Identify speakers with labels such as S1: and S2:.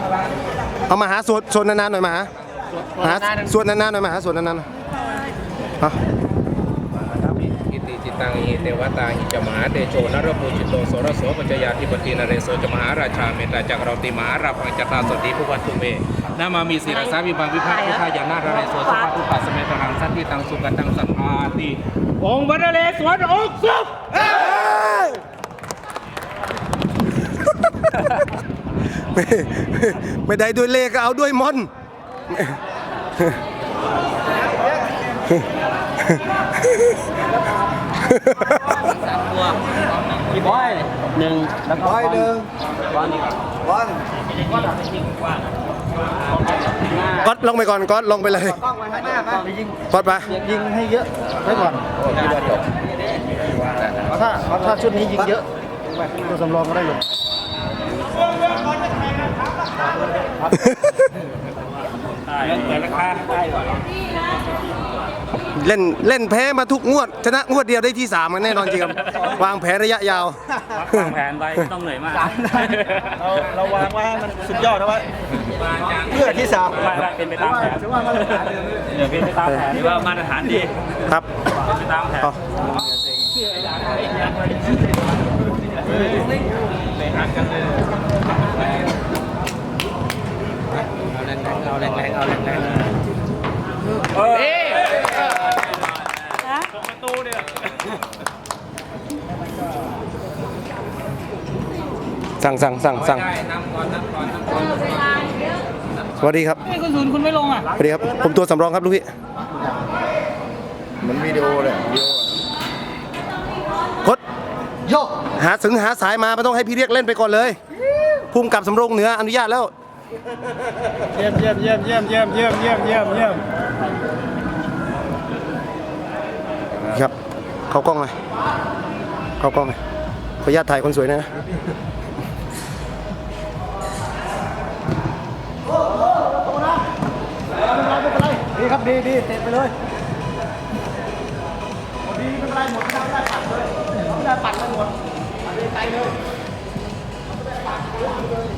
S1: เอามาหาสวดนานๆหน่อยมาหาสวดนานๆหน่อยมาหาสวดนานๆฮะ
S2: อิติจิตังอิเทวตาหิจมหาเดโชนรภูจิตโตโสรโสปัญจยาธิปตินเรโสจมหาราชาเมตตาจักเราติมหาราพังจตาสติภูวัตตุเมนามามีศีรษะวิบังวิภาคพุทธายานาราเรโสสุภาพุทธสเมตรังสันติตังสุกันตังสัมภาติองค์พระนเรศวรองค์สุข
S1: ไม่ได้ด้วยเลขก็เอาด้วยมน
S3: กี่บอยหนึ่งแล้วก็บอยหนึ่งบอล
S1: ก๊อตลงไปก่อนก๊อตลงไปเลยก๊อตไป
S3: ยิงให้เยอะไว้ก่อนถ้าชุดนี้ยิงเยอะตัวสำรองก็ได้ลงแต่ราคาได้กว่า
S1: เล่นแพ้มาทุกงวดชนะงวดเดียวได้ที่3กันแน่นอนจริงครับวางแผนระยะยาว
S3: วางแผนไว้ต้องเหนื่อยมากเราวางไว้มันสุดยอดนะว่าเพื่อที่3เป็นไปตามแผนเดี๋ยวเป็นไปตามแผนที่ว่ามาตรฐานดี
S1: ครับ
S3: เป็นไปตามแผนเอาแรงประตูเนี่ย
S1: สั่งสวัสดีครับ
S3: ไม่คุณศูนย์คุณไม่ลงอ่ะ
S1: สวัสดีครับผมตัวสำรองครับลูกพี่
S4: เหมือนวิดีโอเลย
S1: กดโยกหาสายมาไม่ต้องให้พี่เรียกเล่นไปก่อนเลยพุ่มกับสำโรงเหนืออนุญาตแล้ว
S3: เยี่ยม
S1: ครับเข้ากล้องเลยขออนุญาตถ่ายคนสวยนะ
S3: ดีครับดีเตะไปเลยดีไม่เป็นไรหมดไม่ได้ปัดเลยไม่ได้ปัดเลยหมดปัดเลยไกลเลย